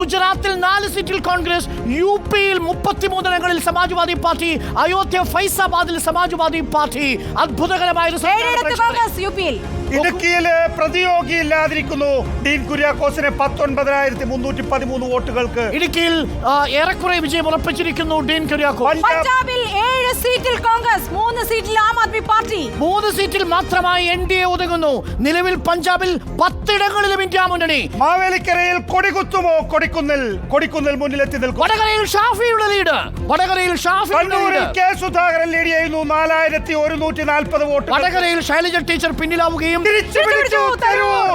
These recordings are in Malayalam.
ഗുജറാത്തിൽ 4 സീറ്റിൽ കോൺഗ്രസ്, യുപിയിൽ 33 ഇടങ്ങളിൽ സമാജ്വാദി പാർട്ടി, അയോധ്യ ഫൈസാബാദിൽ സമാജ്വാദി പാർട്ടി. അത്ഭുതകരമായ ഇടുക്കിയില് പ്രതിയോഗിയില്ലാതിരിക്കുന്നു. ഡീൻ കുര്യാക്കോസിനെ 19,313 വോട്ടുകൾക്ക്. ഇടുക്കിയിൽ ഏറെക്കുറെ വിജയം ഉറപ്പിച്ചിരിക്കുന്നു ഡീൻ കുര്യാക്കോസ്. പഞ്ചാബിൽ 7 സീറ്റിൽ കോൺഗ്രസ്, 3 സീറ്റിൽ ആം ആദ്മി പാർട്ടി. 3 സീറ്റിൽ മാത്രമായി എൻഡിഎ ഒതുങ്ങുന്നു. നിലവിൽ പഞ്ചാബിൽ 10 ഇടങ്ങളിലും ഇന്ത്യ മുന്നണി. മാവേലിക്കരയിൽ കൊടികുത്തുമോ? കൊടിക്കുന്നിൽ മുന്നിലെത്തി നിൽക്കും. വടകരയിൽ ഷാഫിയുടെ ലീഡ്. കണ്ണൂരിൽ കെ സുധാകരൻ ലീഡ് ചെയ്യുന്നു. 4,140 വോട്ട്. വടകരയിൽ ശൈലജ ടീച്ചർ പിന്നിലാവുകയും തിരിച്ചുപിടിച്ചു തരൂർ.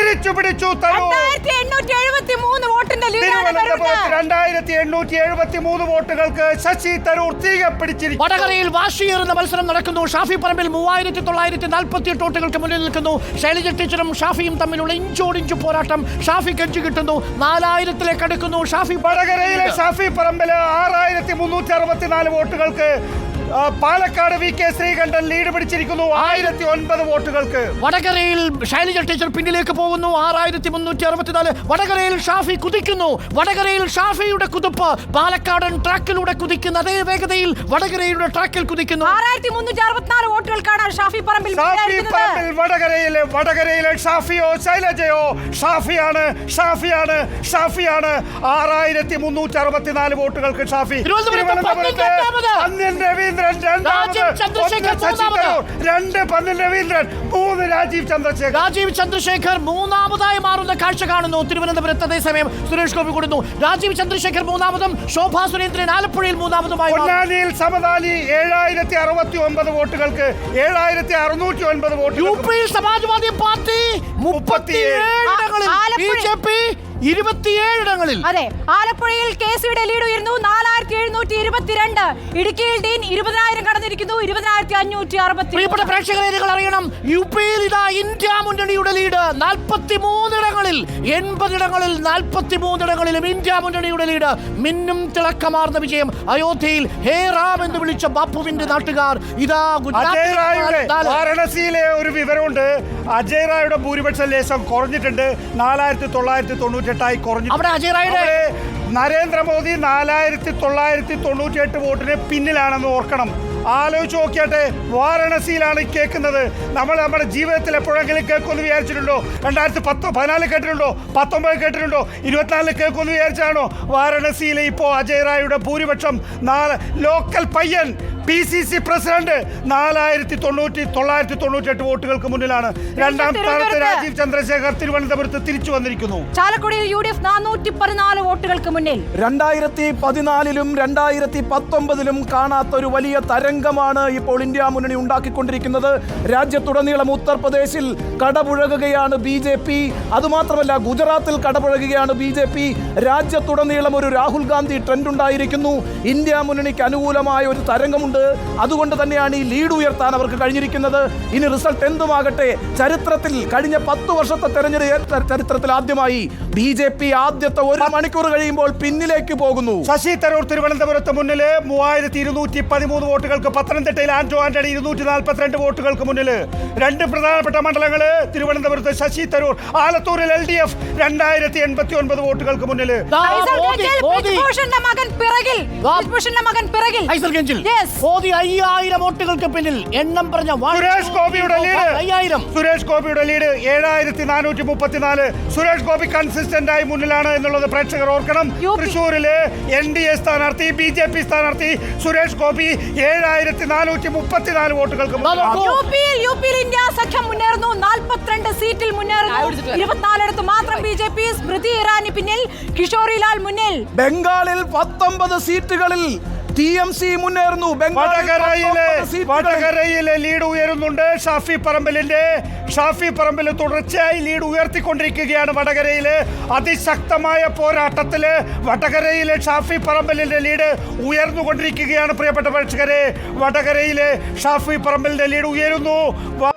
2,873 വോട്ടിന്റെ ലീഡാണ്. 2,873 വോട്ടുകൾക്ക് ശശി തരൂർ തിരികെ പിടിച്ചിരിക്കുന്നു. വടകരയിൽ വാശിയേറുന്ന മത്സരം നടക്കുന്നു. ഷാഫി പറമ്പിൽ 3,948 വോട്ടുകൾക്ക് മുന്നിൽ നിൽക്കുന്നു. ശൈലജ ടീച്ചറും ഷാഫിയും തമ്മിലുള്ള ഇഞ്ചോടിഞ്ചു പോരാട്ടം. ഷാഫി കഞ്ചു കിട്ടുന്നു. 4,000-ലേക്ക് അടുക്കുന്നു. വടകരയിലെ ഷാഫി പറമ്പില് 6,364 വോട്ടുകൾക്ക്. Palakkad V K Sreekantan lead പിടിച്ചിരിക്കുന്നു 1,009 വോട്ടുകൾക്ക്. വടകരയിൽ ശൈലജ ടീച്ചർ പിന്നിലേക്ക് പോകുന്നു. 6,364. വടകരയിൽ ഷാഫി കുതിക്കുന്നു. വടകരയിൽ ഷാഫിയുടെ കുതിപ്പ് പാലക്കാടൻ ട്രാക്കിലൂടെ കുതിക്കുന്ന അതേ വേഗതയിൽ വടകരയുടെ ട്രാക്കിൽ കുതിക്കുന്നു. 6,364 വോട്ടുകൾക്കാണ് ഷാഫി പറമ്പിൽ. വടകരയിലെ ഷാഫിയോ ശൈലജയോ? ഷാഫിയാണ്. 6,364 വോട്ടുകൾക്ക് ഷാഫി. രവീന്ദ്രൻ 2, രവീന്ദ്രൻ 3, രാജീവ് ചന്ദ്രശേഖർ മൂന്നാമതായി മാറുന്ന കാഴ്ച കാണുന്നു തിരുവനന്തപുരത്ത്. അതേസമയം സുരേഷ് ഗോപി കൊടുക്കുന്നു. രാജീവ് ചന്ദ്രശേഖർ മൂന്നാമതും, ശോഭാ സുരേന്ദ്രൻ ആലപ്പുഴയിൽ മൂന്നാമതുമായി. പൊന്നാനിയിൽ സമദാനി 7,069 വോട്ടുകൾക്ക്. 7,609 വോട്ട്. യുപിയിൽ സമാജ്വാദി പാർട്ടി 37 ഇടങ്ങളിൽ, BJP 27 ഇടങ്ങളിൽ. അതെ, ആലപ്പുഴയിൽ KCയുടെ ലീഡ് ഉയർന്നു. 4,722. ഇടുക്കിയിൽ ഡീൻ 20,000 കടന്നിരിക്കുന്നു. 20,560. പ്രിയപ്പെട്ട പ്രേക്ഷകരെ, നിങ്ങൾ അറിയണം, യുപിയിൽ ഇതാ ഇന്ത്യ മുന്നണിയുടെ ലീഡ് 43 ഇടങ്ങളിൽ. 80 ഇടങ്ങളിൽ 43 ഇടങ്ങളിലും ഇന്ത്യ മുന്നണിയുടെ ലീഡ്. മിന്നും തിളക്കമാർന്ന വിജയം. അയോധ്യയിൽ ഹേ റാം എന്ന് വിളിച്ച ബാപ്പുവിന്റെ നാട്ടുകാർ ഇതാ വാരണസിയിലെ ഒരു വിവരമുണ്ട്. അജയ് റായുടെ ഭൂരിപക്ഷം ലേശം കുറഞ്ഞിട്ടുണ്ട്. 4,998 കുറഞ്ഞു. അവിടെ അജയ് റായുടെ നരേന്ദ്രമോദി 4,998 വോട്ടിന് പിന്നിലാണെന്ന് ഓർക്കണം. ആലോചിച്ച് നോക്കിയാട്ടെ, വാരണസിയിലാണ് കേൾക്കുന്നത്. നമ്മൾ നമ്മുടെ ജീവിതത്തിൽ എപ്പോഴെങ്കിലും കേൾക്കുമെന്ന് വിചാരിച്ചിട്ടുണ്ടോ? 2014 കേട്ടിട്ടുണ്ടോ? 19 കേട്ടിട്ടുണ്ടോ? 24 കേൾക്കുമെന്ന് വിചാരിച്ചാണോ? വാരണസിയിലെ ഇപ്പോൾ അജയ് റായുടെ ഭൂരിപക്ഷം ലോക്കൽ പയ്യൻ PCC പ്രസിഡന്റ് 4,998 വോട്ടുകൾക്ക് മുന്നിലാണ്. 2ാം സ്ഥാനത്ത് രാജീവ് ചന്ദ്രശേഖർ തിരുവനന്തപുരത്ത് തിരിച്ചു വന്നിരിക്കുന്നു. ചാലക്കുടിയിൽ UDF 414 വോട്ടുകൾക്ക് മുന്നിൽ. 2014-ലും 2019-ലും കാണാത്തൊരു വലിയ തരംഗമാണ് ഇപ്പോൾ ഇന്ത്യ മുന്നണി ഉണ്ടാക്കിക്കൊണ്ടിരിക്കുന്നത്. രാജ്യത്തുടനീളം ഉത്തർപ്രദേശിൽ കടപുഴകുകയാണ് BJP. അതുമാത്രമല്ല, ഗുജറാത്തിൽ കടപുഴകുകയാണ് BJP. രാജ്യത്തുടനീളം ഒരു രാഹുൽ ഗാന്ധി ട്രെൻഡ് ഉണ്ടായിരിക്കുന്നു. ഇന്ത്യ മുന്നണിക്ക് അനുകൂലമായ ഒരു തരംഗമുണ്ട്. അതുകൊണ്ട് തന്നെയാണ് ഈ ലീഡ് ഉയർത്താൻ അവർക്ക് കഴിഞ്ഞിരിക്കുന്നത്. ഇനി റിസൾട്ട് എന്തുമാകട്ടെ, ചരിത്രത്തിൽ കഴിഞ്ഞ 10 വർഷത്തെ തെരഞ്ഞെടുപ്പ് ചരിത്രത്തിൽ ആദ്യമായി BJP ആദ്യത്തെ 1 മണിക്കൂർ കഴിയുമ്പോൾ പിന്നിലേക്ക് പോകുന്നു. ശശി തരൂർ തിരുവനന്തപുരത്ത് മുന്നില് 3,213 വോട്ടുകൾക്ക്. പത്തനംതിട്ടയിൽ ആന്റോ ആന്റണി 242 വോട്ടുകൾക്ക് മുന്നില്. 2 പ്രധാനപ്പെട്ട മണ്ഡലങ്ങള് തിരുവനന്തപുരത്ത് ശശി തരൂർ. ആലത്തൂരിൽ LDF 2,089 വോട്ടുകൾക്ക് മുന്നില്. മോദി 5,000 വോട്ടുകൾക്ക് പിന്നിൽ. എണ്ണം പറഞ്ഞ സുരേഷ് ഗോപിയുടെ ലീഡ് 7,434. സുരേഷ് ഗോപി കൺസിസ്റ്റന്റ് ആയി മുന്നിലാണ് എന്നുള്ളത് പ്രേക്ഷകർ ഓർക്കണം. തൃശ്ശൂരിലെ NDA സ്ഥാനാർത്ഥി, BJP സ്ഥാനാർത്ഥി സുരേഷ് ഗോപി 7,434 വോട്ടുകൾക്ക്. യുപിയിൽ ഇന്ത്യ സഖ്യം മുന്നേറുന്നു. 42 സീറ്റിൽ മുന്നേറുന്നു. 24 മാത്രം BJP. സ്മൃതി ഇറാനി പിന്നിൽ, കിഷോറിലാൽ മുന്നിൽ. ബംഗാളിൽ 19 സീറ്റുകളിൽ TMC മുന്നേറുന്നു. വടകരയിലെ ലീഡ് ഉയരുന്നുണ്ട്. ഷാഫി പറമ്പിൽ തുടർച്ചയായി ലീഡ് ഉയർത്തിക്കൊണ്ടിരിക്കുകയാണ്. വടകരയിലെ അതിശക്തമായ പോരാട്ടത്തില് വടകരയിലെ ഷാഫി പറമ്പിലിന്റെ ലീഡ് ഉയർന്നുകൊണ്ടിരിക്കുകയാണ്. പ്രിയപ്പെട്ട പ്രേക്ഷകരെ, വടകരയിലെ ഷാഫി പറമ്പിലിന്റെ ലീഡ് ഉയരുന്നു.